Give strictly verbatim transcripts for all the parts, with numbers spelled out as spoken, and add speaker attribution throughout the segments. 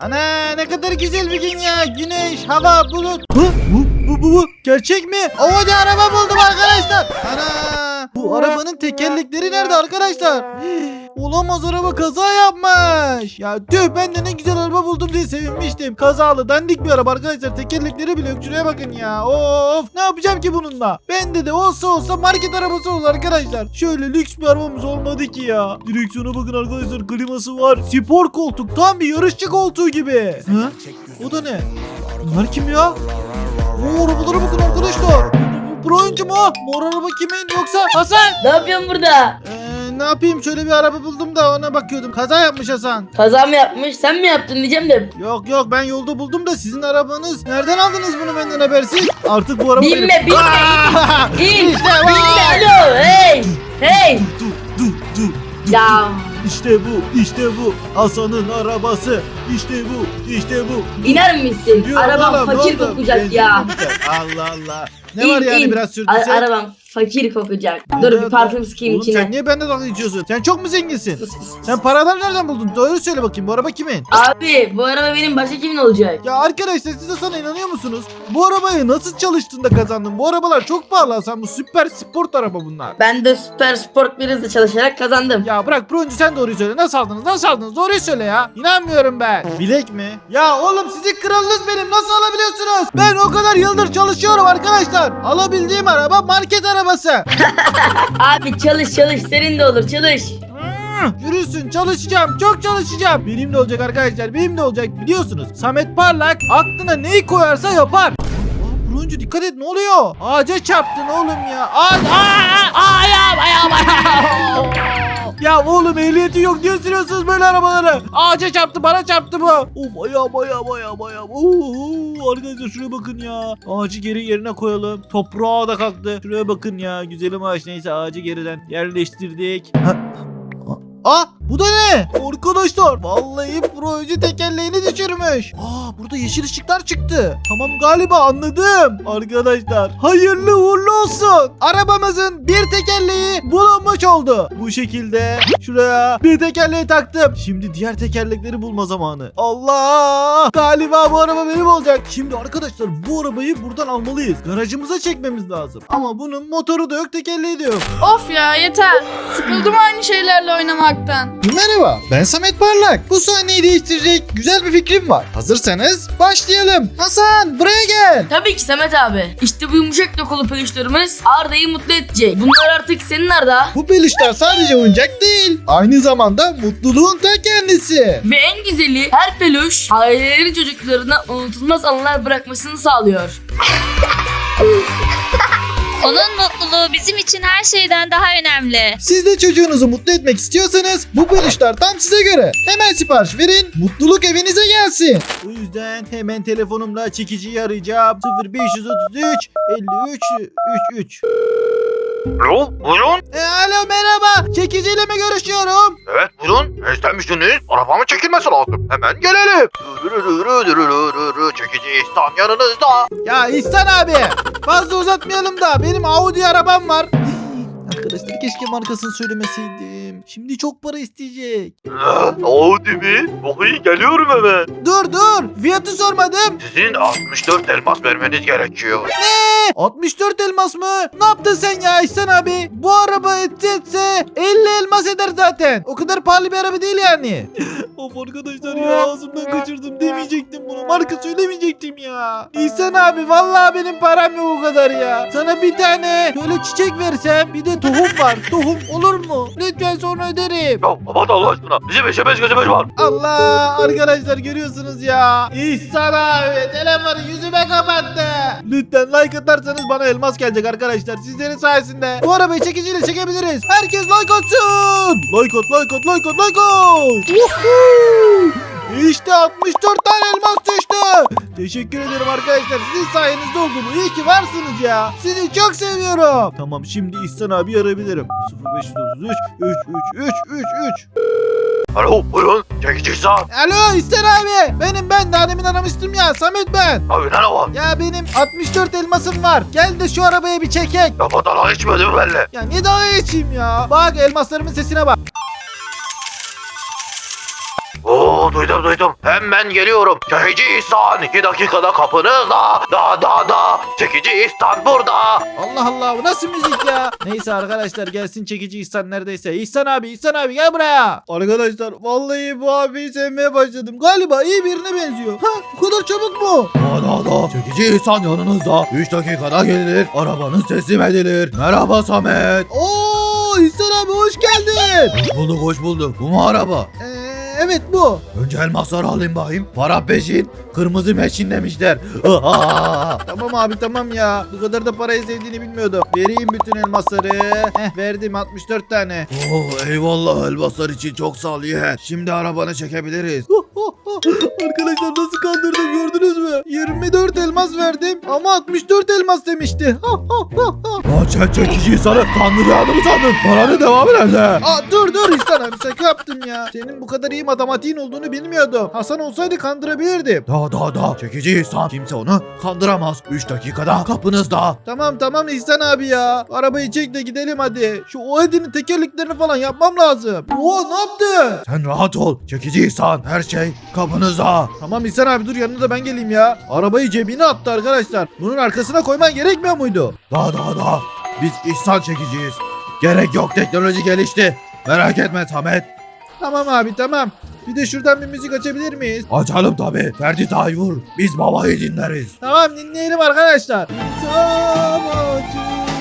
Speaker 1: Ana ne kadar güzel bir gün ya. Güneş, hava, bulut. Hı? Bu, bu, bu, bu. Gerçek mi? Hadi araba buldum arkadaşlar. Ana. Bu arabanın tekerlekleri nerede arkadaşlar? Olamaz, araba kaza yapmış. Ya tüh, ben de ne güzel araba buldum diye sevinmiştim. Kazalı dandik bir araba arkadaşlar. Tekerlekleri bile yok. Şuraya bakın ya. Of, ne yapacağım ki bununla? Bende de olsa olsa market arabası olur arkadaşlar. Şöyle lüks bir arabamız olmadı ki ya. Direksiyona bakın arkadaşlar. Kliması var. Spor koltuk. Tam bir yarışçı koltuğu gibi. Hı? O da ne? Bunlar kim ya? Oo, arabalara bakın arkadaşlar. Bu pro oyuncu mu? Mor araba kimin yoksa Hasan?
Speaker 2: Ne yapıyorsun burada?
Speaker 1: Ee, ne yapayım, şöyle bir araba buldum da ona bakıyordum. Kaza yapmış Hasan.
Speaker 2: Kaza mı yapmış? Sen mi yaptın diyeceğim de.
Speaker 1: Yok yok, ben yolda buldum da sizin arabanız. Nereden aldınız bunu benden habersiz? Artık bu araba
Speaker 2: Binme,
Speaker 1: benim.
Speaker 2: binme,
Speaker 1: Aa!
Speaker 2: İn,
Speaker 1: İşte var.
Speaker 2: binme, alo, hey, hey.
Speaker 1: Du, du, du, du.
Speaker 2: Ya
Speaker 1: İşte bu, işte bu. Hasan'ın arabası. İşte bu, işte bu.
Speaker 2: iner misin?
Speaker 1: Yok
Speaker 2: Arabam
Speaker 1: oğlum,
Speaker 2: fakir
Speaker 1: oğlum.
Speaker 2: kokacak
Speaker 1: Benzin
Speaker 2: ya.
Speaker 1: bitecek. Allah Allah. Ne
Speaker 2: İn,
Speaker 1: var yani
Speaker 2: in.
Speaker 1: biraz
Speaker 2: A-
Speaker 1: sürdüyse?
Speaker 2: arabam fakir kokacak.
Speaker 1: Ne
Speaker 2: Dur
Speaker 1: diyor
Speaker 2: bir parfüm
Speaker 1: lan?
Speaker 2: sıkayım
Speaker 1: Oğlum sen
Speaker 2: içine.
Speaker 1: niye bende dalga geçiyorsun? Sen çok mu zenginsin?
Speaker 2: Sus, sus, sus.
Speaker 1: Sen paraları nereden buldun? Doğru söyle bakayım, bu araba kimin?
Speaker 2: Abi bu araba benim, başka kimin olacak?
Speaker 1: Ya arkadaşlar, siz de sana inanıyor musunuz? Bu arabayı nasıl çalıştığında kazandın? Bu arabalar çok pahalı Hasan. Bu süper sport araba bunlar.
Speaker 2: Ben de süper sport bir hızla çalışarak kazandım.
Speaker 1: Ya bırak Broncu, sen doğruyu söyle. Nasıl aldınız? Nasıl aldınız? Doğruyu söyle ya. İnanmıyorum ben. Bilek mi? Ya oğlum, sizin kralınız benim. Nasıl alabiliyorsunuz? Ben o kadar yıldır çalışıyorum arkadaşlar. Alabildiğim araba market arabası.
Speaker 2: Abi çalış çalış, senin de olur, çalış.
Speaker 1: Hmm, Yürüsün, çalışacağım, çok çalışacağım. Benim de olacak arkadaşlar, benim de olacak. Biliyorsunuz Samet Parlak aklına neyi koyarsa yapar. Aa, Broncu dikkat et, ne oluyor? Ağaca çarptın oğlum ya. Ağaç, aa, ayağım, ayağım, ayağım. Ya oğlum, ehliyeti yok diye sürüyorsunuz böyle arabaları. Ağaca çarptı, bana çarptı bu. Of, ayağım, ayağım, ayağım, ayağım. Oo, arkadaşlar şuraya bakın ya. Ağacı geri yerine koyalım. Toprağa da kalktı. Şuraya bakın ya. Güzelim ağaç, neyse ağacı geriden yerleştirdik. Ha. Aa, bu da ne? Arkadaşlar vallahi proje tekerleğini düşürmüş. Aa, burada yeşil ışıklar çıktı. Tamam, galiba anladım. Arkadaşlar hayırlı uğurlu olsun. Arabamızın bir tekerleği bulunmuş oldu. Bu şekilde şuraya bir tekerleği taktım. Şimdi diğer tekerlekleri bulma zamanı. Allah! Galiba bu araba benim olacak. Şimdi arkadaşlar bu arabayı buradan almalıyız. Garajımıza çekmemiz lazım. Ama bunun motoru da yok, tekerleği de yok.
Speaker 3: Of ya, yeter. Sıkıldım aynı şeylerle oynamaktan.
Speaker 1: Merhaba, ben Samet Parlak. Bu sahneyi değiştirecek güzel bir fikrim var. Hazırsanız başlayalım. Hasan, buraya gel.
Speaker 2: Tabii ki Samet abi. İşte bu yumuşak dokulu peluşlarımız Arda'yı mutlu edecek. Bunlar artık senin Arda.
Speaker 1: Bu peluşlar sadece oyuncak değil, aynı zamanda mutluluğun ta kendisi.
Speaker 2: Ve en güzeli, her peluş ailelerin çocuklarına unutulmaz anılar bırakmasını sağlıyor.
Speaker 4: Onun mutluluğu bizim için her şeyden daha önemli.
Speaker 1: Siz de çocuğunuzu mutlu etmek istiyorsanız bu peluşlar tam size göre. Hemen sipariş verin, mutluluk evinize gelsin. O yüzden hemen telefonumla çekiciyi arayacağım. sıfır beş otuz üç elli üç üç üç.
Speaker 5: Alo, buyurun.
Speaker 1: E, alo, merhaba. Çekiciyle mi görüşüyorum?
Speaker 5: Evet, buyurun. Ne istemiştiniz? Arabamın çekilmesi lazım. Hemen gelelim. Çekici İhsan yanınızda.
Speaker 1: Ya İhsan abi, fazla uzatmayalım da benim Audi arabam var. Arkadaşlar keşke markasını söylemeseydim. Şimdi çok para isteyecek.
Speaker 5: Audi mi? Okey, geliyorum hemen.
Speaker 1: Dur dur, fiyatı sormadım.
Speaker 5: Sizin altmış dört elmas vermeniz gerekiyor.
Speaker 1: altmış dört elmas mı? Ne yaptın sen ya İhsan abi? Bu araba etse etse elli elmas eder zaten. O kadar pahalı bir araba değil yani. Of arkadaşlar ya, ağzımdan kaçırdım, demeyecektim bunu. Marka söylemeyecektim ya. İhsan abi vallahi benim param yok o kadar ya. Sana bir tane böyle çiçek versem, bir de tohum var. Tohum olur mu? Lütfen sonra öderim.
Speaker 5: Ya aman Allah aşkına. Bizim işe beş gözü beş var.
Speaker 1: Allah, arkadaşlar görüyorsunuz ya. İhsan abi telefonu yüzüme kapattı. Lütfen like atarsanız bana elmas gelecek arkadaşlar. Sizlerin sayesinde bu arabayı çekiciyle çekebiliriz. Herkes like atsın. Like at, like at, like at, like at. Woohoo! İşte altmış dört tane elmas düştü. Teşekkür ederim arkadaşlar. Sizin sayenizde oldu bu. İyi ki varsınız ya. Sizi çok seviyorum. Tamam, şimdi İhsan abi arayabilirim. sıfır beş otuz üç üç üç üç üç üç.
Speaker 5: Alo, buyurun. Çekici İhsan.
Speaker 1: Alo İhsan abi. Benim ben. Daha demin aramıştım ya. Samet ben.
Speaker 5: Abi ne var?
Speaker 1: Ya benim altmış dört elmasım var. Gel de şu arabaya bir çekek.
Speaker 5: Ya badana içmedim belli.
Speaker 1: Ya niye dalga geçeyim ya? Bak elmaslarımın sesine bak.
Speaker 5: Oo duydum duydum. Hemen geliyorum. Çekici İhsan iki dakikada kapınızda. Da da da. Çekici İhsan burada.
Speaker 1: Allah Allah, bu nasıl müzik ya? Neyse arkadaşlar, gelsin çekici İhsan neredeyse. İhsan abi, İhsan abi gel buraya. Arkadaşlar vallahi bu abiyi sevmeye başladım. Galiba iyi birine benziyor. Ha, bu kadar çabuk mu?
Speaker 6: Da da da. Çekici İhsan yanınızda. üç dakikada gelir. Arabanız teslim edilir. Merhaba Samet.
Speaker 1: Oo, İhsan abi hoş geldin.
Speaker 6: Hoş bulduk hoş bulduk. Bu mu araba?
Speaker 1: Ee, evet bu.
Speaker 6: Önce elmasları alayım bakayım. Para peşin. Kırmızı meşin demişler.
Speaker 1: Tamam abi tamam ya. Bu kadar da parayı sevdiğini bilmiyordum. Vereyim bütün elmasları. Heh, verdim altmış dört tane.
Speaker 6: Oh eyvallah elmaslar için çok sağ ol yeğen. Şimdi arabanı çekebiliriz.
Speaker 1: Arkadaşlar nasıl kandırdım gördünüz mü? yirmi dört elmas verdim ama altmış dört elmas demişti.
Speaker 6: Lan sen çekici İhsan'ı kandıracağını mı sandın? Paranın devamı nerede?
Speaker 1: Aa, dur dur İhsan abi, şaka yaptım ya. Senin bu kadar iyi matematiğin olduğunu bilmiyordum. Hasan olsaydı kandırabilirdim.
Speaker 6: Da da da. Çekici İhsan. Kimse onu kandıramaz. üç dakikada kapınızda.
Speaker 1: Tamam tamam İhsan abi ya. Arabayı çek de gidelim hadi. Şu Oedi'nin tekerleklerini falan yapmam lazım. Oo, ne yaptın?
Speaker 6: Sen rahat ol. Çekici İhsan. Her şey kapınızda.
Speaker 1: Tamam İhsan abi, dur yanına da ben geleyim ya. Arabayı cebine attı arkadaşlar. Bunun arkasına koyman gerekmiyor muydu?
Speaker 6: Da da da. Biz İhsan çekiciyiz. Gerek yok, teknoloji gelişti. Merak etme Samet.
Speaker 1: Tamam abi tamam. Bir de şuradan bir müzik açabilir miyiz?
Speaker 6: Açalım tabi. Ferdi Tayfur. Biz babayı dinleriz.
Speaker 1: Tamam, dinleyelim arkadaşlar. İnsan acı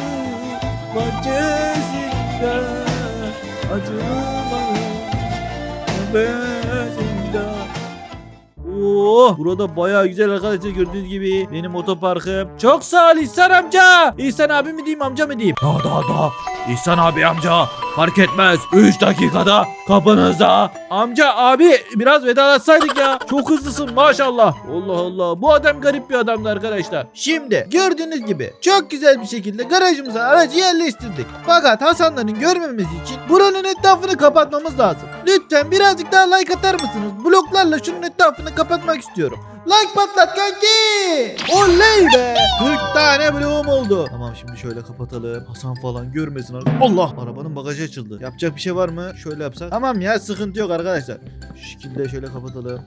Speaker 1: bahçesinde acımanın nefesinde. Oo, burada bayağı güzel arkadaşlar, gördüğünüz gibi benim otoparkım. Çok sağ ol İhsan amca. İhsan abi mi diyeyim, amca mı diyeyim?
Speaker 6: Da da da. İhsan abi amca. Fark etmez. üç dakikada kapınızda.
Speaker 1: Amca abi biraz vedalaşsaydık ya. Çok hızlısın maşallah. Allah Allah, bu adam garip bir adamdı arkadaşlar. Şimdi gördüğünüz gibi çok güzel bir şekilde garajımıza aracı yerleştirdik. Fakat Hasanların görmemesi için buranın etrafını kapatmamız lazım. Lütfen birazcık daha like atar mısınız? Bloklarla şunun etrafını kapatmak istiyorum. Like patlat kanki. Oley be. kırk tane bloğum oldu. Tamam, şimdi şöyle kapatalım. Hasan falan görmesin. Allah, arabanın bagajı açıldı. Yapacak bir şey var mı? Şöyle yapsak. Tamam ya, sıkıntı yok arkadaşlar. Şu şekilde şöyle kapatalım.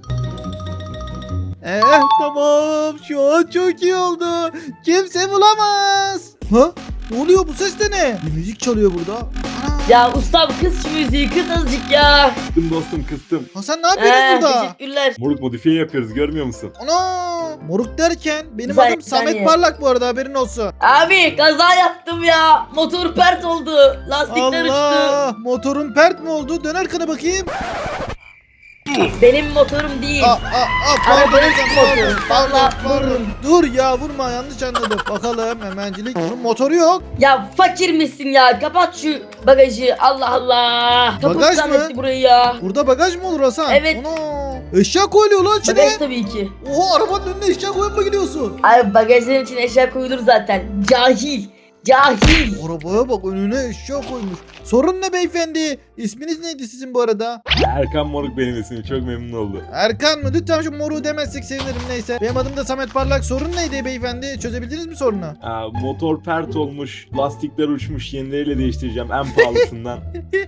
Speaker 1: Eh tamam, şu an çok iyi oldu. Kimse bulamaz. Ha? Ne oluyor, bu ses de ne? Bir müzik çalıyor burada. Ana.
Speaker 2: Ya ustam kız şu müziği kız azıcık ya.
Speaker 7: Kıstım dostum kıstım.
Speaker 1: Hasan ne yapıyorsun
Speaker 2: Ee,
Speaker 1: burada?
Speaker 2: teşekkürler.
Speaker 7: Moruk modifiye yapıyoruz görmüyor musun?
Speaker 1: Ana. Moruk derken benim
Speaker 2: Bir saniye,
Speaker 1: adım
Speaker 2: bir
Speaker 1: Samet
Speaker 2: saniye.
Speaker 1: Parlak bu arada, haberin olsun.
Speaker 2: Abi kaza yaptım ya. Motor pert oldu. Lastikler uçtu.
Speaker 1: Allah, motorun pert mi oldu? Dön arkana bakayım.
Speaker 2: Benim motorum değil.
Speaker 1: Aa, aa, aa, pardon,
Speaker 2: Arabanın
Speaker 1: pardon,
Speaker 2: motoru.
Speaker 1: pardon,
Speaker 2: Vallahi
Speaker 1: pardon.
Speaker 2: vururum.
Speaker 1: Dur ya, vurma, yanlış anladım. Bakalım hemencilik. Bunun motoru yok.
Speaker 2: Ya fakir misin ya? Kapat şu bagajı. Allah Allah. Kaput
Speaker 1: Bagaj mı?
Speaker 2: zannetti burayı ya.
Speaker 1: Burada bagaj mı olur Hasan?
Speaker 2: Evet.
Speaker 1: Ana. Eşya koyuyor lan içine.
Speaker 2: Bagaj tabii ki.
Speaker 1: Oha, arabanın önüne eşya koyup mı gidiyorsun?
Speaker 2: Abi bagajların için eşya koyulur zaten. Cahil. Cahil.
Speaker 1: Arabaya bak, önüne eşya koymuş. Sorun ne beyefendi? İsminiz neydi sizin bu arada?
Speaker 7: Erkan Moruk benim ismim çok memnun oldu.
Speaker 1: Erkan mı? Lütfen şu moru demezsek sevinirim, neyse. Benim adım da Samet Parlak. Sorun neydi beyefendi? Çözebildiniz mi sorunu?
Speaker 7: Aa, motor pert olmuş, lastikler uçmuş, yenileriyle değiştireceğim en pahalısından.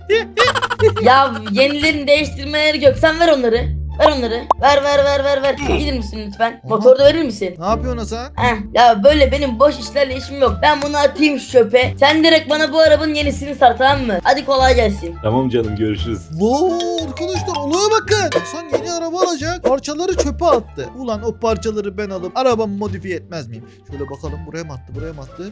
Speaker 2: Ya yenilerini değiştirmeleri yok. Sen ver onları. Ver onları. Ver ver ver ver ver. Gelir misin lütfen? Motoru da verir misin?
Speaker 1: Ne yapıyorsun Hasan?
Speaker 2: Heh, ya böyle benim boş işlerle işim yok. Ben bunu atayım şu çöpe. Sen direkt bana bu arabanın yenisini sar, tamam mı? Hadi kolay gelsin.
Speaker 7: Tamam canım görüşürüz.
Speaker 1: Wow, arkadaşlar olaya bakın. Hasan yeni araba alacak. Parçaları çöpe attı. Ulan o parçaları ben alıp arabamı modifiye etmez miyim? Şöyle bakalım, buraya mı attı, buraya mı attı?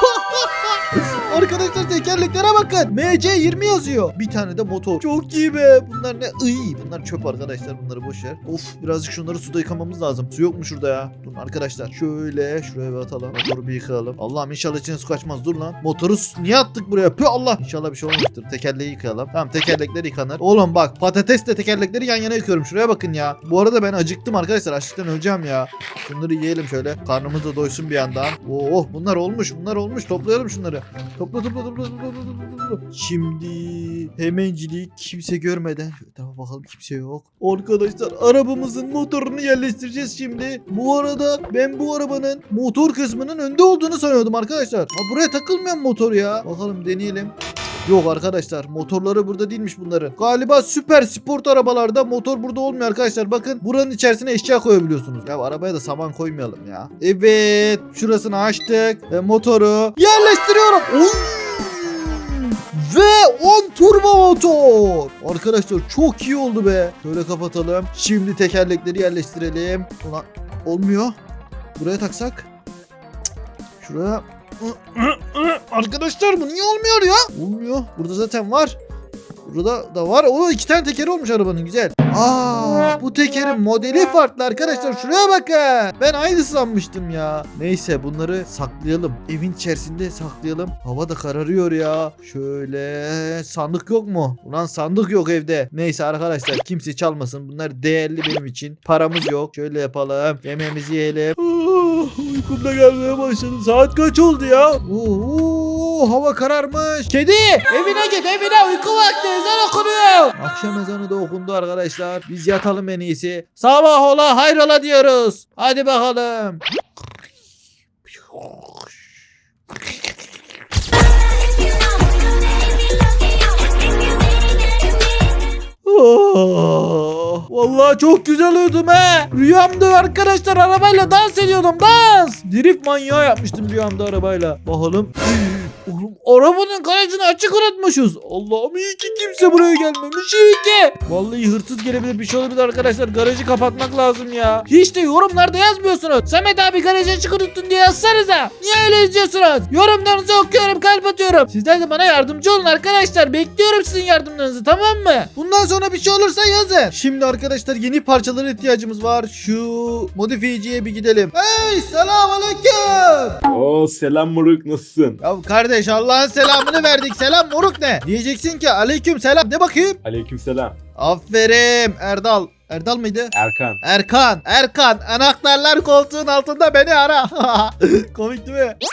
Speaker 1: Arkadaşlar tekerleklere bakın. M C yirmi yazıyor. Bir tane de motor. Çok iyi be. Bunlar ne? Iy, bunlar çöp arkadaşlar. Bunları boş ver. Of, birazcık şunları suda yıkamamız lazım. Su yok mu şurada ya? Durun arkadaşlar. Şöyle şuraya bir atalım. Motoru bir yıkayalım. Allah'ım inşallah içine su kaçmaz. Dur lan. Motoru su- niye attık buraya? Pü Allah. İnşallah bir şey olmamıştır. Tekerleği yıkayalım. Tamam, tekerlekler yıkanır. Oğlum bak, patatesle tekerlekleri yan yana yıkıyorum. Şuraya bakın ya. Bu arada ben acıktım arkadaşlar. Açlıktan öleceğim ya. Şunları yiyelim şöyle. Karnımız da doysun bir yandan. Oh, bunlar olmuş. Bunlar olmuş. Toplayalım şunları. Topla topla topla topla topla topla. Şimdi hemencilik kimse görmeden. Şöyle tamam, bakalım kimse yok. Arkadaşlar arabamızın motorunu yerleştireceğiz şimdi. Bu arada ben bu arabanın motor kısmının önde olduğunu sanıyordum arkadaşlar. Ha, buraya takılmayan motor ya. Bakalım deneyelim. Yok arkadaşlar, motorları burada değilmiş bunların. Galiba süper sport arabalarda motor burada olmuyor arkadaşlar. Bakın buranın içerisine eşya koyabiliyorsunuz. Ya arabaya da saman koymayalım ya. Evet, şurasını açtık ve motoru yerleştiriyorum. Oy! Ve on turbo motor. Arkadaşlar çok iyi oldu be. Şöyle kapatalım. Şimdi tekerlekleri yerleştirelim. Ulan olmuyor. Buraya taksak. Cık, şuraya. Arkadaşlar bu niye olmuyor ya? Olmuyor. Burada zaten var. Burada da var. O iki tane tekeri olmuş arabanın, güzel. Aa, bu tekerin modeli farklı arkadaşlar. Şuraya bakın. Ben aynı sanmıştım ya. Neyse bunları saklayalım. Evin içerisinde saklayalım. Hava da kararıyor ya. Şöyle sandık yok mu? Ulan sandık yok evde. Neyse arkadaşlar kimse çalmasın. Bunlar değerli benim için. Paramız yok. Şöyle yapalım. Yemeğimizi yiyelim. Ah, uykum da gelmeye başladı. Saat kaç oldu ya? Oo, hava kararmış. Kedi evine git, evine, uyku vakti. Ezan okunuyor. Akşam ezanı da okundu arkadaşlar. Biz yatalım en iyisi. Sabah ola hayrola diyoruz. Hadi bakalım. Oh, vallahi çok güzel uyudum he. Rüyamda arkadaşlar arabayla dans ediyordum, dans. Drift manyağı yapmıştım rüyamda arabayla. Bakalım. Oğlum arabanın garajını açık unutmuşuz. Allah'ım iyi ki kimse buraya gelmemiş, iyi ki. Vallahi hırsız gelebilir, bir şey olabilir arkadaşlar. Garajı kapatmak lazım ya. Hiç de yorumlarda yazmıyorsunuz. Samet abi garajı açık unuttun diye yazsanıza. Niye öyle yazıyorsunuz? Yorumlarınızı okuyorum, kalp atıyorum. Sizler de bana yardımcı olun arkadaşlar. Bekliyorum sizin yardımlarınızı, tamam mı? Bundan sonra bir şey olursa yazın. Şimdi arkadaşlar yeni parçalara ihtiyacımız var. Şu modifiyeciye bir gidelim. Hey, selamünaleyküm.
Speaker 7: Oo selam moruk, nasılsın?
Speaker 1: Ya kardeş Allah'ın selamını verdik. Selam moruk ne? Diyeceksin ki aleyküm selam. De bakayım.
Speaker 7: Aleykümselam.
Speaker 1: Aferin Erdal. Erdal mıydı?
Speaker 7: Erkan.
Speaker 1: Erkan. Erkan. Anahtarlar koltuğun altında, beni ara. Komik değil mi?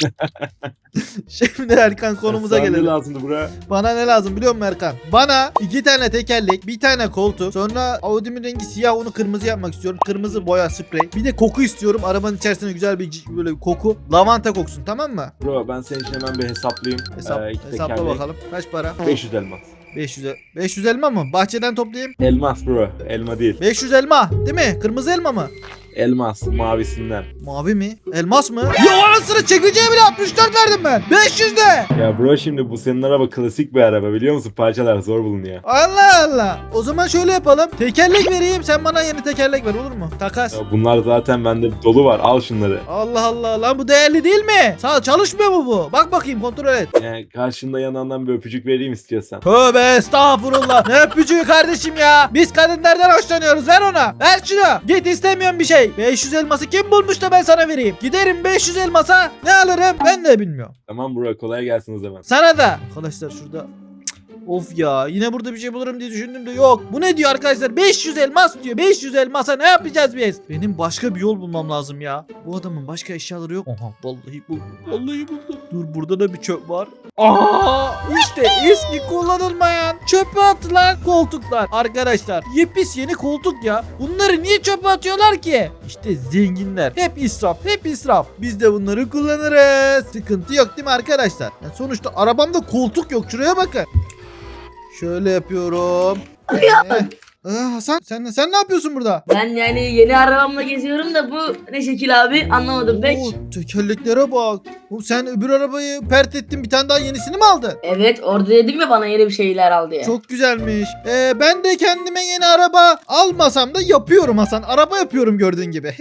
Speaker 1: Şimdi Erkan konumuza
Speaker 7: Sana ne
Speaker 1: gelelim.
Speaker 7: lazımdı buraya?
Speaker 1: Bana ne lazım biliyor musun Erkan? Bana iki tane tekerlek, bir tane koltuk, sonra Audi'min rengi siyah, onu kırmızı yapmak istiyorum. Kırmızı boya sprey. Bir de koku istiyorum. Arabanın içerisinde güzel bir böyle bir koku. Lavanta koksun, tamam mı?
Speaker 7: Bro ben senin için hemen bir hesaplayayım.
Speaker 1: Hesap,
Speaker 7: Ee, iki
Speaker 1: hesapla
Speaker 7: tekerlek.
Speaker 1: bakalım. Kaç para?
Speaker 7: beş yüz elmas.
Speaker 1: beş yüz, beş yüz elma mı? Bahçeden toplayayım.
Speaker 7: Elmas bro. Elma değil.
Speaker 1: beş yüz elma değil mi? Kırmızı elma mı?
Speaker 7: Elmas mavisinden.
Speaker 1: Mavi mi? Elmas mı? Ya anasını çekeceğe bile altmış dört verdim ben. beş yüz de.
Speaker 7: Ya bro şimdi bu senin araba klasik bir araba biliyor musun? Parçalar zor bulunuyor.
Speaker 1: Allah Allah. O zaman şöyle yapalım. Tekerlek vereyim, sen bana yeni tekerlek ver, olur mu? Takas.
Speaker 7: Ya bunlar zaten bende dolu var. Al şunları.
Speaker 1: Allah Allah lan, bu değerli değil mi? Sağ çalışmıyor mu bu? Bak bakayım, kontrol et.
Speaker 7: Yani karşında yanağından bir öpücük vereyim istiyorsan.
Speaker 1: Tövbe estağfurullah. Ne öpücüğü kardeşim ya. Biz kadınlardan hoşlanıyoruz. Ver ona. Ver şunu. Git, istemiyorum bir şey. beş yüz elması kim bulmuş da ben sana vereyim? Giderim beş yüz elmasa ne alırım ben de bilmiyorum.
Speaker 7: Tamam bro kolay gelsin o zaman.
Speaker 1: Sana da. Arkadaşlar şurada. Of ya, yine burada bir şey bulurum diye düşündüm de yok. Bu ne diyor arkadaşlar? beş yüz elmas diyor. beş yüz elmasa ne yapacağız biz? Benim başka bir yol bulmam lazım ya. Bu adamın başka eşyaları yok. Aha vallahi buldum. Vallahi buldum. Dur, burada da bir çöp var. Aha işte eski kullanılmayan çöpe atılan koltuklar. Arkadaşlar yepis yeni koltuk ya. Bunları niye çöpe atıyorlar ki? İşte zenginler. Hep israf, hep israf. Biz de bunları kullanırız. Sıkıntı yok değil mi arkadaşlar? Yani sonuçta arabamda koltuk yok. Şuraya bakın. Şöyle yapıyorum. Ee, ee, Hasan sen sen ne yapıyorsun burada?
Speaker 2: Ben yani yeni arabamla geziyorum da bu ne şekil abi, anlamadım pek.
Speaker 1: Oo, tekerleklere bak. Oğlum sen öbür arabayı pert ettin, bir tane daha yenisini mi aldın?
Speaker 2: Evet, orada dedim ya bana yeni bir şeyler al diye.
Speaker 1: Çok güzelmiş. Ee, ben de kendime yeni araba almasam da yapıyorum Hasan. Araba yapıyorum gördüğün gibi.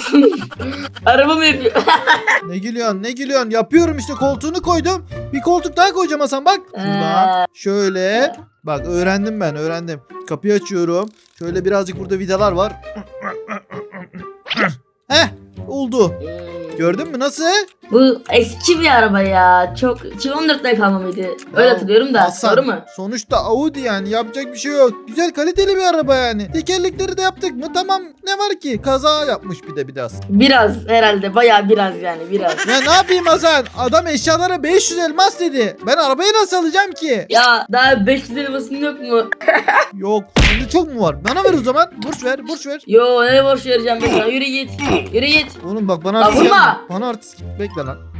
Speaker 2: Araba mı yapıyor?
Speaker 1: Ne gülüyorsun ne gülüyorsun? Yapıyorum işte, koltuğunu koydum. Bir koltuk daha koyacağım Hasan bak. Şuradan şöyle. Bak öğrendim ben öğrendim. Kapıyı açıyorum. Şöyle birazcık burada vidalar var. Heh oldu.
Speaker 2: Hmm.
Speaker 1: Gördün mü nasıl?
Speaker 2: Bu eski bir araba ya. Çok iki bin on dörtte kalma mıydı? Öyle
Speaker 1: Ya,
Speaker 2: hatırlıyorum da.
Speaker 1: Hasan,
Speaker 2: Doğru mu?
Speaker 1: sonuçta Audi yani, yapacak bir şey yok. Güzel kaliteli bir araba yani. Tekerlekleri de yaptık mı tamam, ne var ki? Kaza yapmış bir de biraz.
Speaker 2: Biraz herhalde, bayağı biraz yani biraz.
Speaker 1: Ya ne yapayım Hasan? Adam eşyalara beş yüz elmas dedi. Ben arabayı nasıl alacağım ki?
Speaker 2: Ya daha beş yüz elmasın yok mu?
Speaker 1: Yok. Sende çok mu var? Bana ver o zaman. Borç ver, borç ver.
Speaker 2: Yo, ne borç vereceğim ben sana? Yürü git. Yürü git.
Speaker 1: Oğlum bak bana
Speaker 2: Ya
Speaker 1: artist
Speaker 2: vurma.
Speaker 1: yapma. Bana artist. Bekle lan.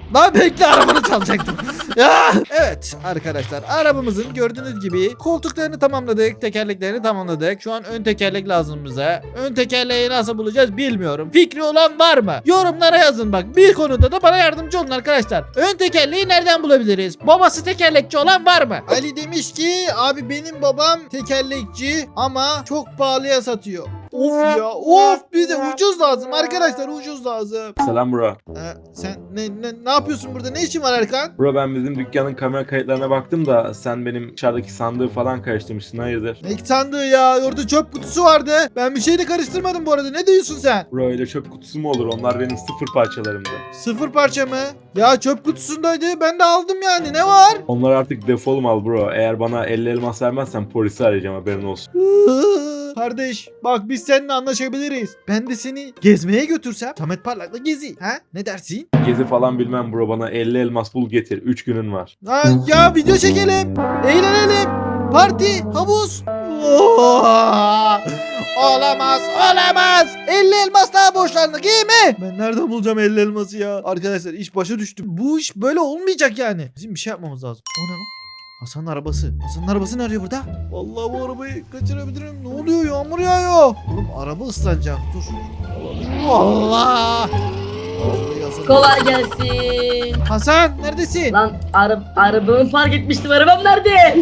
Speaker 1: Lan bekle, arabanı çalacaktım. Ya. Evet arkadaşlar, arabamızın gördüğünüz gibi koltuklarını tamamladık, tekerleklerini tamamladık. Şu an ön tekerlek lazım bize. Ön tekerleği nasıl bulacağız bilmiyorum. Fikri olan var mı? Yorumlara yazın bak. Bir konuda da bana yardımcı olun arkadaşlar. Ön tekerleği nereden bulabiliriz? Babası tekerlekçi olan var mı? Ali demiş ki abi benim babam tekerlekçi ama çok pahalıya satıyor. Of ya, of, bize ucuz lazım arkadaşlar, ucuz lazım.
Speaker 7: Selam bro.
Speaker 1: Ee, sen ne, ne ne yapıyorsun burada? Ne işin var Erkan?
Speaker 7: Bro ben bizim dükkanın kamera kayıtlarına baktım da sen benim dışarıdaki sandığı falan karıştırmışsın, hayırdır?
Speaker 1: Ne sandığı ya? Orada çöp kutusu vardı. Ben bir şeyle karıştırmadım bu arada. Ne diyorsun sen?
Speaker 7: Bro öyle çöp kutusu mu olur? Onlar benim sıfır parçalarımdı.
Speaker 1: Sıfır parça mı? Ya çöp kutusundaydı. Ben de aldım yani. Ne var?
Speaker 7: Onlar artık defol mal bro. Eğer bana elli elmas vermezsen polisi arayacağım, haberin olsun.
Speaker 1: Kardeş bak, biz seninle anlaşabiliriz. Ben de seni gezmeye götürsem Samet Parlak'la gezi. Ha? Ne dersin?
Speaker 7: Gezi falan bilmem bro, bana elli elmas bul getir. üç günün var.
Speaker 1: Ha, ya video çekelim. Eğlenelim. Parti, havuz. Oo! Olamaz, olamaz. elli elmas daha borçlandık, iyi mi? Ben nereden bulacağım elli elması ya? Arkadaşlar iş başa düştü. Bu iş böyle olmayacak yani. Bizim bir şey yapmamız lazım. O ne lan? Hasan'ın arabası. Hasan'ın arabası ne arıyor burada? Vallahi bu arabayı kaçırabilirim. Ne oluyor? Yağmur yağıyor. Oğlum araba ıslanacak. Dur. Allah. Vallahi Hasan-
Speaker 2: Kolay gelsin.
Speaker 1: Hasan neredesin?
Speaker 2: Lan ara arabamı park etmiştim. Arabam nerede?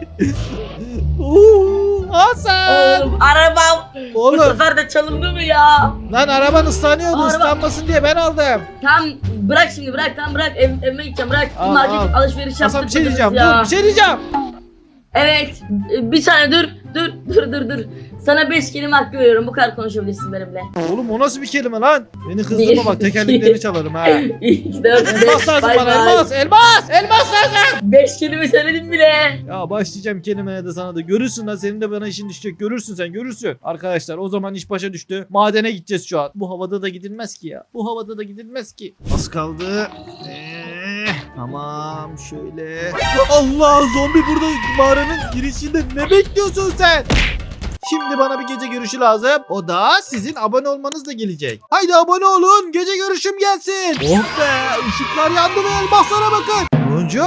Speaker 1: Oo, Hasan.
Speaker 2: Oğlum arabam bu
Speaker 1: Oğlum
Speaker 2: sefer de çalındı mı ya?
Speaker 1: lan araban ıslanıyordu.
Speaker 2: Araba-
Speaker 1: Islanmasın diye ben aldım.
Speaker 2: Tamam bırak şimdi, bırak, tamam bırak, Ev, evime gideceğim, bırak.
Speaker 1: Al,
Speaker 2: Bir market
Speaker 1: al.
Speaker 2: alışveriş yaptık.
Speaker 1: Hasan bir şey diyeceğim.
Speaker 2: ya.
Speaker 1: Dur bir şey diyeceğim.
Speaker 2: Evet bir saniye dur dur dur dur dur. Sana beş kelime hakkı veriyorum, bu kadar konuşabilirsin benimle.
Speaker 1: Oğlum o nasıl bir kelime lan? Beni kızdırma
Speaker 2: Bir,
Speaker 1: bak, tekerleklerini çalarım ha.
Speaker 2: İki, dört,
Speaker 1: Elmas
Speaker 2: beş,
Speaker 1: lazım
Speaker 2: bay
Speaker 1: bana,
Speaker 2: bay.
Speaker 1: elmas, elmas, elmas lazım.
Speaker 2: Beş kelime söyledim bile.
Speaker 1: Ya başlayacağım kelimeye de sana da, görürsün lan, senin de bana işin düşecek, görürsün sen, görürsün. Arkadaşlar o zaman iş başa düştü. Madene gideceğiz şu an. Bu havada da gidilmez ki ya. Bu havada da gidilmez ki. Az kaldı. Ee, tamam şöyle. Allah, zombi burada mağaranın girişinde, ne bekliyorsun sen? Şimdi bana bir gece görüşü lazım. O da sizin abone olmanızla gelecek. Haydi abone olun. Gece görüşüm gelsin. Oh be. Işıklar yandı ve elmaslara bakın. Oyuncu.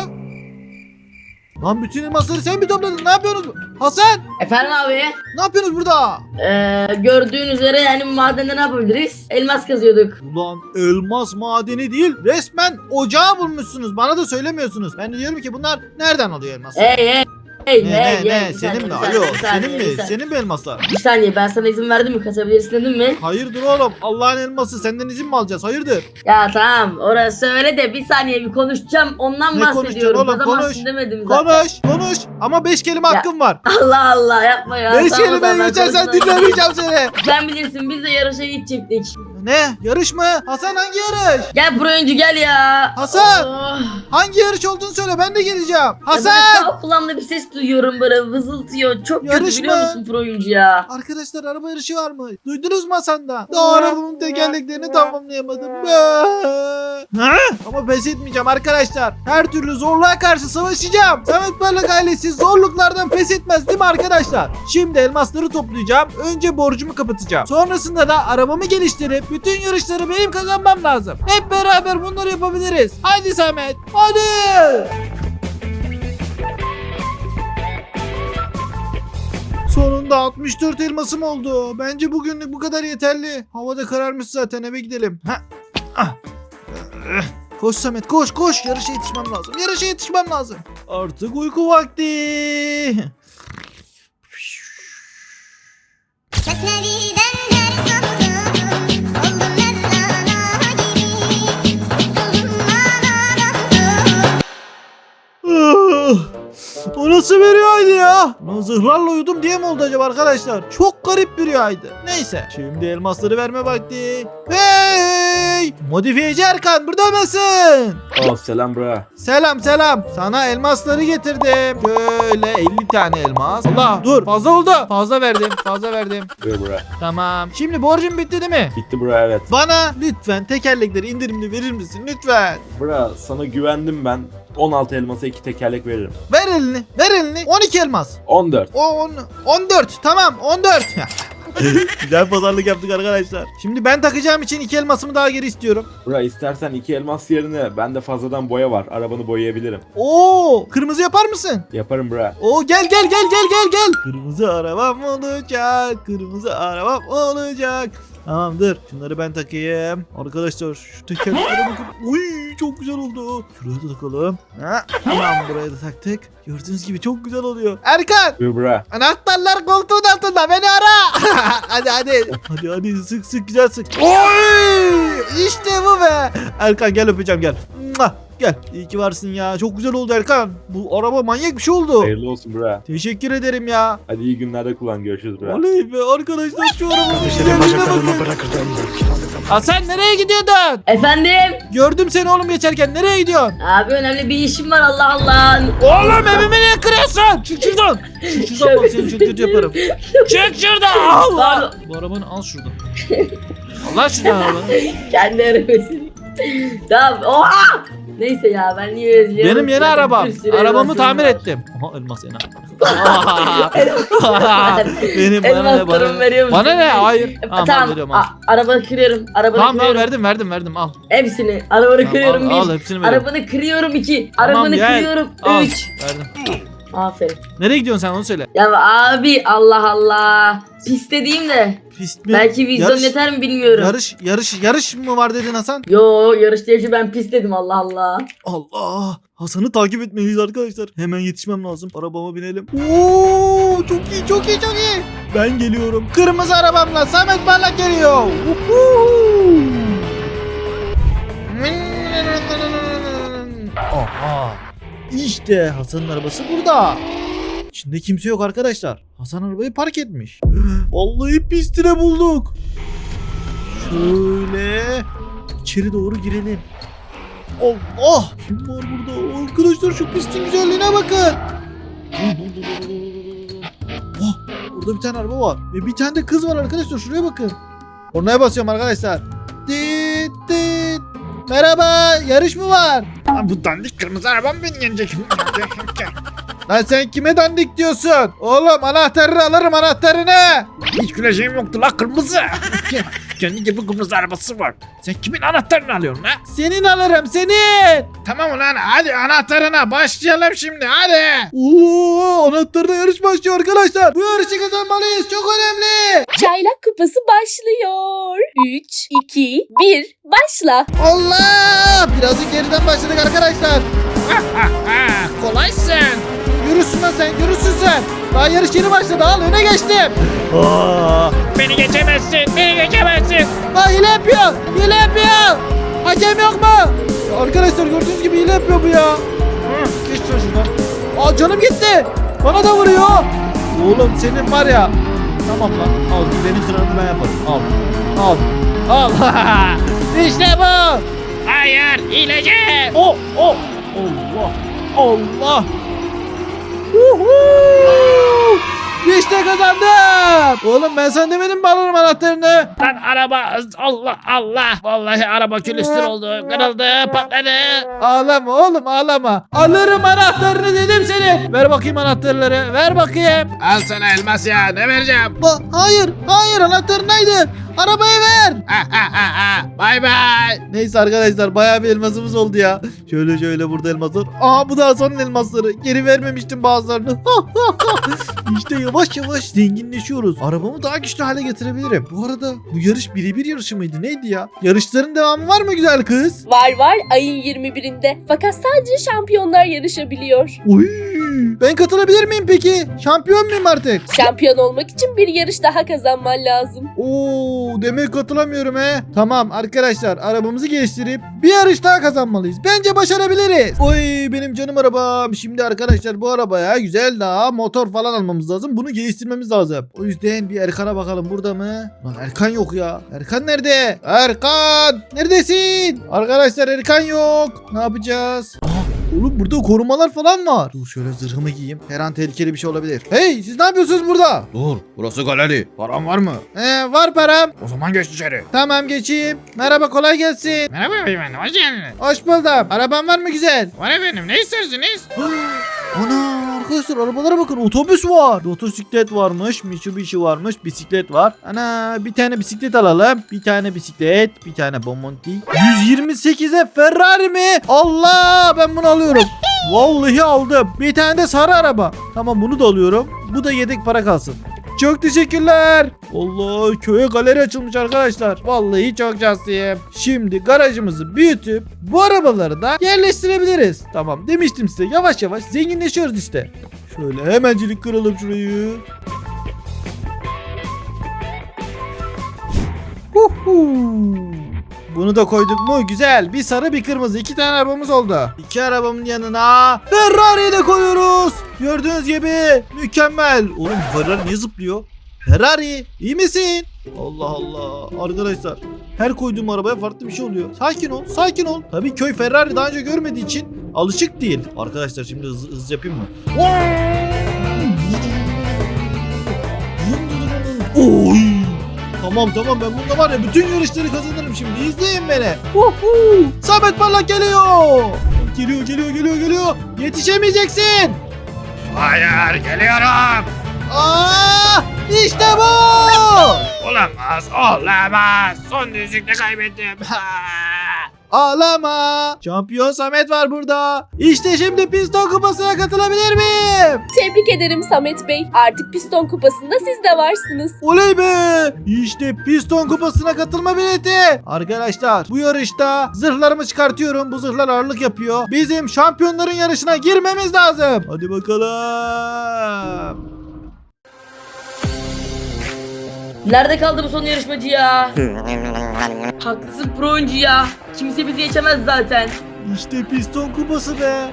Speaker 1: Lan bütün elmasları sen mi topladın? Ne yapıyorsunuz? Hasan.
Speaker 2: Efendim abi.
Speaker 1: Ne yapıyorsunuz burada?
Speaker 2: Ee, gördüğün üzere yani madende ne yapabiliriz? Elmas kazıyorduk.
Speaker 1: Ulan elmas madeni değil. Resmen ocağı bulmuşsunuz. Bana da söylemiyorsunuz. Ben de diyorum ki bunlar nereden alıyor elması?
Speaker 2: Hey hey. Hey
Speaker 1: ne
Speaker 2: hey
Speaker 1: ne
Speaker 2: hey.
Speaker 1: ne?
Speaker 2: Bir
Speaker 1: Senin
Speaker 2: saniye,
Speaker 1: mi?
Speaker 2: bir saniye,
Speaker 1: Alo.
Speaker 2: bir saniye,
Speaker 1: Senin
Speaker 2: bir
Speaker 1: mi?
Speaker 2: saniye.
Speaker 1: Senin mi elmaslar?
Speaker 2: Bir saniye, ben sana izin verdim mi? Kasabilirsin dedim mi?
Speaker 1: Hayırdır oğlum? Allah'ın elması. Senden izin mi alacağız? Hayırdır?
Speaker 2: Ya tamam orası öyle de bir saniye bir konuşacağım, ondan
Speaker 1: Ne
Speaker 2: bahsediyorum.
Speaker 1: konuşacaksın oğlum?
Speaker 2: Kazamazsın
Speaker 1: Konuş.
Speaker 2: demedim zaten.
Speaker 1: Konuş. Konuş. Ama beş kelime
Speaker 2: Ya.
Speaker 1: hakkım var.
Speaker 2: Allah Allah yapma ya.
Speaker 1: Beş
Speaker 2: Tamam,
Speaker 1: kelime
Speaker 2: tamam, ben
Speaker 1: geçersen
Speaker 2: konuşmam.
Speaker 1: dinlemeyeceğim seni.
Speaker 2: Sen bilirsin, biz de yarışa gidecektik.
Speaker 1: Ne? Yarış mı? Hasan hangi yarış?
Speaker 2: Gel buraya önce gel ya.
Speaker 1: Hasan!
Speaker 2: Oh.
Speaker 1: Hangi yarış olduğunu söyle, ben de geleceğim.
Speaker 2: Ya böyle
Speaker 1: Hasan!
Speaker 2: sağ kulağımda bir ses duyuyorum, böyle vızıltıyor. Çok
Speaker 1: Yarış
Speaker 2: kötü biliyor
Speaker 1: mı?
Speaker 2: musun pro oyuncu ya?
Speaker 1: Arkadaşlar araba yarışı var mı? Duydunuz mu Hasan'da? Daha arabamın tekerleklerini tamamlayamadım. Ha? Ama pes etmeyeceğim arkadaşlar. Her türlü zorluğa karşı savaşacağım. Samet Parlak ailesi zorluklardan pes etmez değil mi arkadaşlar? Şimdi elmasları toplayacağım. Önce borcumu kapatacağım. Sonrasında da arabamı geliştirip bütün yarışları benim kazanmam lazım. Hep beraber bunları yapabiliriz. Hadi Samet. Hadi. Sonunda altmış dört elmasım oldu. Bence bugünlük bu kadar yeterli. Havada kararmış zaten, eve gidelim. Ha. Ah. Koş Samet, koş koş. Yarışa yetişmem lazım. Yarışa yetişmem lazım. Artık uyku vakti.
Speaker 8: Mesnevi'den ders aldım, oldum Mevlana gibi, uzun manadan.
Speaker 1: Ah, o nasıl bir rüyaydı ya? Lan zırhlarla uyudum diye mi oldu acaba arkadaşlar? Çok garip bir rüyaydı. Neyse. Şimdi elmasları verme vakti. Hey! Modifiyeci Erkan, burada mısın?
Speaker 7: Oh selam bro.
Speaker 1: Selam selam. Sana elmasları getirdim. Şöyle elli tane elmas. Allah dur, fazla oldu. Fazla verdim. Fazla verdim.
Speaker 7: Buyur bro.
Speaker 1: Tamam. Şimdi borcum bitti değil mi?
Speaker 7: Bitti bro, evet.
Speaker 1: Bana lütfen tekerlekleri indirimli verir misin? Lütfen.
Speaker 7: Bro sana güvendim ben. on altı elmasa iki tekerlek veririm.
Speaker 1: Ver elini. Ver elini. on iki elmas.
Speaker 7: on dört.
Speaker 1: on, on dört. Tamam on dört. Güzel pazarlık yaptık arkadaşlar. Şimdi ben takacağım için iki elmasımı daha geri istiyorum.
Speaker 7: Bura istersen iki elmas yerine bende fazladan boya var. Arabanı boyayabilirim.
Speaker 1: Oo, kırmızı yapar mısın?
Speaker 7: Yaparım bura.
Speaker 1: Oo, gel gel gel gel gel gel. Kırmızı arabam olacak. Kırmızı arabam olacak. Tamamdır. Şunları ben takayım. Arkadaşlar şu tekerleklere bakın. Uy, çok güzel oldu. Şuraya da takalım. Ha, tamam, buraya da taktık. Gördüğünüz gibi çok güzel oluyor. Erkan!
Speaker 7: Buyur bura.
Speaker 1: Anahtarlar koltuğun altında, beni ara. hadi hadi. Hadi hadi sık sık güzel sık. Oy! İşte bu be. Erkan gel öpeceğim gel. Mua! Gel. İyi ki varsın ya. Çok güzel oldu Erkan. Bu araba manyak bir şey oldu.
Speaker 7: Hayırlı olsun bura.
Speaker 1: Teşekkür ederim ya.
Speaker 7: Hadi iyi günlerde kullan. Görüşürüz bura.
Speaker 1: Oley be arkadaşlar, şu arabanın güzelliğine bakın. Hasan nereye gidiyordun?
Speaker 2: Efendim?
Speaker 1: Gördüm seni oğlum geçerken. Nereye gidiyorsun?
Speaker 2: Abi önemli bir işim var, Allah Allah.
Speaker 1: Oğlum evimi niye kırıyorsun? Çık şuradan. Çık şuradan, bak seni çok kötü yaparım. Çık şuradan. Allah. Bu arabanı al şuradan. Allah şuradan arabanı.
Speaker 2: Kendi arabasını. Tamam. Oha! Neyse ya, ben niye özlüyorum?
Speaker 1: Benim yeni
Speaker 2: Ya,
Speaker 1: arabam.
Speaker 2: bir sürü
Speaker 1: Arabamı
Speaker 2: elmasım
Speaker 1: tamir
Speaker 2: var.
Speaker 1: ettim. Aha elmas ena. Benim bana ne, bana
Speaker 2: Elmaslarımı
Speaker 1: ne?
Speaker 2: veriyor musun?
Speaker 1: Bana ne? Hayır.
Speaker 2: E,
Speaker 1: Tamam,
Speaker 2: tamam.
Speaker 1: veriyorum al.
Speaker 2: A- arabanı kırıyorum. Arabanı
Speaker 1: Tamam al,
Speaker 2: kırıyorum.
Speaker 1: verdim verdim verdim al.
Speaker 2: Hepsini. Arabanı
Speaker 1: Tamam,
Speaker 2: kırıyorum
Speaker 1: al,
Speaker 2: bir.
Speaker 1: al, hepsini veriyorum.
Speaker 2: Arabanı kırıyorum iki.
Speaker 1: Tamam,
Speaker 2: Arabanı
Speaker 1: gel.
Speaker 2: kırıyorum
Speaker 1: Al,
Speaker 2: üç.
Speaker 1: verdim.
Speaker 2: Aferin.
Speaker 1: Nereye gidiyorsun sen, onu söyle.
Speaker 2: Ya abi Allah Allah. Pis dediğim de.
Speaker 1: Pist mi?
Speaker 2: Belki vizyon
Speaker 1: Yarış-
Speaker 2: yeter mi bilmiyorum.
Speaker 1: Yarış yarış yarış mı var dedin Hasan?
Speaker 2: Yo, yarış değil, ben pis dedim, Allah Allah.
Speaker 1: Allah! Hasan'ı takip etmeliyiz arkadaşlar. Hemen yetişmem lazım. Arabama binelim. Oo, çok iyi, çok iyi, çok iyi. Ben geliyorum. Kırmızı arabamla Samet Parlak geliyor. Uhu! Aha! İşte Hasan'ın arabası burada. İçinde kimse yok arkadaşlar. Hasan arabayı park etmiş. Vallahi pistine bulduk. Şöyle içeri doğru girelim. Allah! Kim var burada? Arkadaşlar şu pistin güzelliğine bakın. Oh, burada bir tane araba var. Ve bir tane de kız var arkadaşlar. Şuraya bakın. Oraya basıyorum arkadaşlar. Dit dit. Merhaba, yarış mı var? Lan bu dandik kırmızı arabam beni yenecek. Lan sen kime dandik diyorsun? Oğlum anahtarını alırım, anahtarını. Hiç güleşim yoktu la kırmızı. Kendi gibi kırmızı arabası var. Sen kimin anahtarını alıyorsun ha? Senin alırım, senin. Tamam ulan, hadi anahtarına başlayalım şimdi, hadi. Oo, anahtarına yarış başlıyor arkadaşlar. Bu yarışı kazanmalıyız, çok önemli.
Speaker 9: Çaylak kupası başlıyor. üç, iki, bir, başla.
Speaker 1: Allah! Birazcık geriden başladık arkadaşlar. Kolaysın. Yürüsün lan sen, yürüsün sen. Daha yarış yeni başladı, al öne geçtim. Aa, beni geçemezsin, beni geçemezsin. Aa, hile yapıyor, hile yapıyor. Hakem yok mu? Ya arkadaşlar gördüğünüz gibi hile yapıyor bu ya. Hı, geç lan şuradan. Aa, canım gitti. Bana da vuruyor. Oğlum senin var ya. Tamam lan, al benim sıramı ben yaparım. Al, al, al. İşte bu. Hayır, hileci. Oh, oh. Allah, Allah. Uhu! İşte kazandım. Oğlum ben sana demedim mi alırım anahtarını? Lan araba, Allah Allah. Vallahi araba külüstür oldu. Kırıldı, patladı. Ağlama oğlum, ağlama. Alırım anahtarını dedim seni. Ver bakayım anahtarları. Ver bakayım. Al sana elmas ya. Ne vereceğim? Ba hayır, hayır, anahtarın neydi? Arabayı ver. Bay bay. Neyse arkadaşlar, bayağı bir elmasımız oldu ya. Şöyle şöyle burada elmaslar. Aa, bu da Hasan'ın elmasları. Geri vermemiştim bazılarını. İşte yavaş yavaş zenginleşiyoruz. Arabamı daha güçlü hale getirebilirim. Bu arada bu yarış birebir yarışı mıydı? Neydi ya? Yarışların devamı var mı güzel kız?
Speaker 9: Var var ayın yirmi birinde. Fakat sadece şampiyonlar yarışabiliyor.
Speaker 1: Uy, ben katılabilir miyim peki? Şampiyon muyum artık?
Speaker 9: Şampiyon olmak için bir yarış daha kazanman lazım.
Speaker 1: Oo, demek katılamıyorum he. Tamam arkadaşlar, arabamızı geliştirip bir yarış daha kazanmalıyız. Bence başarabiliriz. Oy, benim canım arabam. Şimdi arkadaşlar bu arabaya güzel daha motor falan almamız lazım. Bunu geliştirmemiz lazım. O yüzden bir Erkan'a bakalım, burada mı? Lan Erkan yok ya. Erkan nerede? Erkan! Neredesin? Arkadaşlar Erkan yok. Ne yapacağız? Aha, oğlum burada korumalar falan var. Dur şöyle zırhımı giyeyim. Her an tehlikeli bir şey olabilir. Hey, siz ne yapıyorsunuz burada?
Speaker 6: Dur, burası galeri. Param var mı?
Speaker 1: Ee, var param.
Speaker 6: O zaman geç içeri.
Speaker 1: Tamam, geçeyim. Merhaba, kolay gelsin.
Speaker 10: Merhaba efendim, hoş geldiniz.
Speaker 1: Hoş buldum. Araban var mı güzel?
Speaker 10: Var efendim, ne istersiniz?
Speaker 1: Ana, Arkadaşlar arabalara bakın, otobüs var. Motosiklet varmış, Mitsubishi varmış, bisiklet var. Ana bir tane bisiklet alalım. Bir tane bisiklet, bir tane Bomonti. yüz yirmi sekize Ferrari mi? Allah, ben bunu alıyorum. Vallahi aldım. Bir tane de sarı araba. Tamam, bunu da alıyorum. Bu da yedek para kalsın. Çok teşekkürler. Allah, köye galeri açılmış arkadaşlar. Vallahi çok şanslıyım. Şimdi garajımızı büyütüp bu arabaları da yerleştirebiliriz. Tamam, demiştim size, yavaş yavaş zenginleşiyoruz işte. Şöyle hemencilik kıralım şurayı. Huhu. Bunu da koyduk mu? Güzel. Bir sarı bir kırmızı. İki tane arabamız oldu. İki arabamın yanına Ferrari'yi de koyuyoruz. Gördüğünüz gibi mükemmel. Oğlum Ferrari niye zıplıyor? Ferrari iyi misin? Allah Allah. Arkadaşlar her koyduğum arabaya farklı bir şey oluyor. Sakin ol. Sakin ol. Tabii köy Ferrari daha önce görmediği için alışık değil. Arkadaşlar şimdi hız, hız yapayım mı? Oy. Tamam tamam, ben bunda var ya bütün yarışları kazanırım şimdi. İzleyin beni. Uhu. Samet Parlak geliyor. Geliyor geliyor geliyor geliyor. Yetişemeyeceksin.
Speaker 5: Hayır, geliyorum.
Speaker 1: Aa, işte bu.
Speaker 5: Olamaz, olamaz. Son düzlükte kaybettim.
Speaker 1: Ağlama. Şampiyon Samet var burada. İşte şimdi piston kupasına katılabilir miyim?
Speaker 9: Tebrik ederim Samet Bey. Artık piston kupasında siz de varsınız.
Speaker 1: Oley be. İşte piston kupasına katılma bileti. Arkadaşlar bu yarışta zırhlarımı çıkartıyorum. Bu zırhlar ağırlık yapıyor. Bizim şampiyonların yarışına girmemiz lazım. Hadi bakalım.
Speaker 2: Nerede kaldı bu son yarışmacı ya? Haklısın pro oyuncu ya. Kimse bizi geçemez zaten.
Speaker 1: İşte piston kupası be.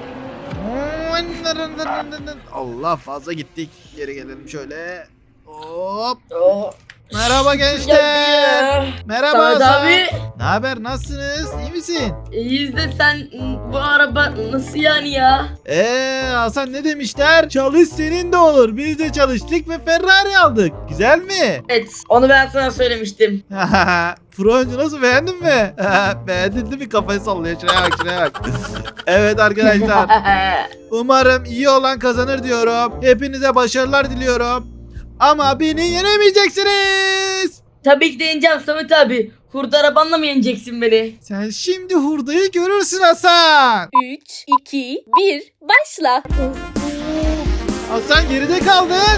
Speaker 1: Allah, fazla gittik. Geri gelelim şöyle. Hop.
Speaker 2: Oh.
Speaker 1: Merhaba gençler. Merhaba
Speaker 2: Samet
Speaker 1: Hasan.
Speaker 2: abi.
Speaker 1: Ne haber? Nasılsınız? İyi misin?
Speaker 2: İyiyiz de sen bu araba nasıl yani ya?
Speaker 1: Eee Hasan, ne demişler? Çalış senin de olur. Biz de çalıştık ve Ferrari aldık. Güzel mi?
Speaker 2: Evet, onu ben sana söylemiştim.
Speaker 1: Froncu nasıl, beğendin mi? Beğendin değil mi? Kafayı sallıyor. Şuraya bak, şuraya bak. Evet arkadaşlar. Umarım iyi olan kazanır diyorum. Hepinize başarılar diliyorum. Ama beni yenemeyeceksiniz.
Speaker 2: Tabii ki de yeneceğim Samet abi. Hurda arabanla mı yeneceksin beni?
Speaker 1: Sen şimdi hurdayı görürsün Hasan.
Speaker 9: üç, iki, bir, başla.
Speaker 1: Hasan geride kaldın.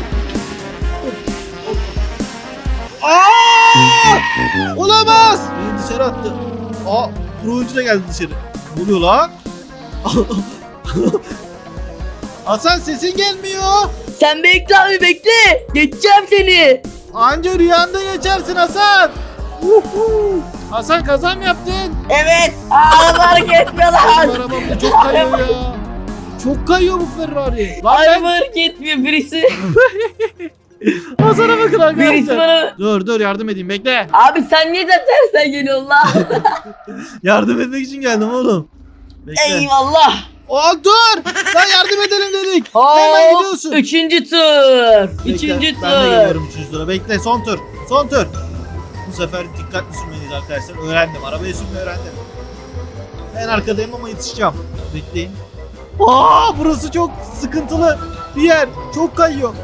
Speaker 1: Aa! Olamaz. Beni dışarı attı. Aa, pro oyuncu da geldi dışarı. Ne oluyor lan? Hasan, sesin gelmiyor.
Speaker 2: Sen bekle abi bekle. Geçeceğim seni.
Speaker 1: Anca rüyanda geçersin Hasan. Uhu. Hasan, kaza mı yaptın?
Speaker 2: Evet. Araba hareket etmiyor
Speaker 1: Bu
Speaker 2: lan.
Speaker 1: arabam da çok kayıyor ya. Çok kayıyor bu Ferrari. Lan
Speaker 2: Araba
Speaker 1: ben...
Speaker 2: hareket etmiyor birisi.
Speaker 1: Hasan'a bakın
Speaker 2: Birisi
Speaker 1: arkadaşlar.
Speaker 2: bana.
Speaker 1: Dur dur, yardım edeyim, bekle.
Speaker 2: Abi sen niye de tersten geliyorsun lan?
Speaker 1: Yardım etmek için geldim oğlum. Bekle.
Speaker 2: Eyvallah.
Speaker 1: Aa, dur. Lan yardım edelim dedik. Hemen
Speaker 2: Hop.
Speaker 1: gidiyorsun.
Speaker 2: Üçüncü tur.
Speaker 1: Bekle,
Speaker 2: Üçüncü
Speaker 1: Ben de
Speaker 2: tur.
Speaker 1: geliyorum üçüncü tura. Bekle, son tur. Son tur. Bu sefer dikkatli sürmeliyiz arkadaşlar. Öğrendim. Arabayı sürmeyi öğrendim. En arkadayım ama yetişeceğim. Bekleyin. Aa, burası çok sıkıntılı bir yer. Çok kayıyor.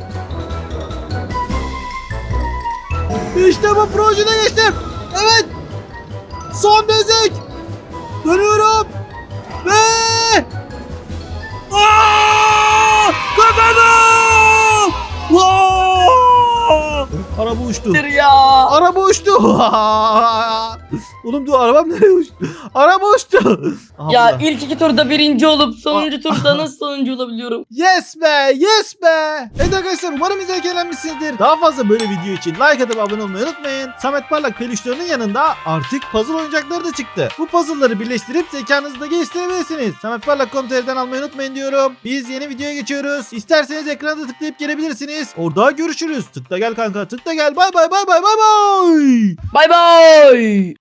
Speaker 1: İşte bu, projede geçtim. Evet. Son düzlük. Dönüyorum. Ve Aa! Kazandım! Vaa! Araba uçtu.
Speaker 2: Dur ya.
Speaker 1: Araba uçtu. Oğlum dur, arabam nereye uçtu? Araba uçtu. Aha,
Speaker 2: Ya
Speaker 1: burada.
Speaker 2: ilk iki turda birinci olup sonuncu turda nasıl sonuncu olabiliyorum?
Speaker 1: Yes be, yes be. Evet arkadaşlar, umarım izlerken eğlenmişsinizdir. Daha fazla böyle video için like atıp abone olmayı unutmayın. Samet Parlak peluşlarının yanında artık puzzle oyuncakları da çıktı. Bu puzzle'ları birleştirip zekanızı da geliştirebilirsiniz. Samet Parlak nokta com nokta tr'den almayı unutmayın diyorum. Biz yeni videoya geçiyoruz. İsterseniz ekranda tıklayıp gelebilirsiniz. Orada görüşürüz. Tıkla gel kanka, tıkla gel. Bay bay bay bay bay bay.
Speaker 2: Bay bay.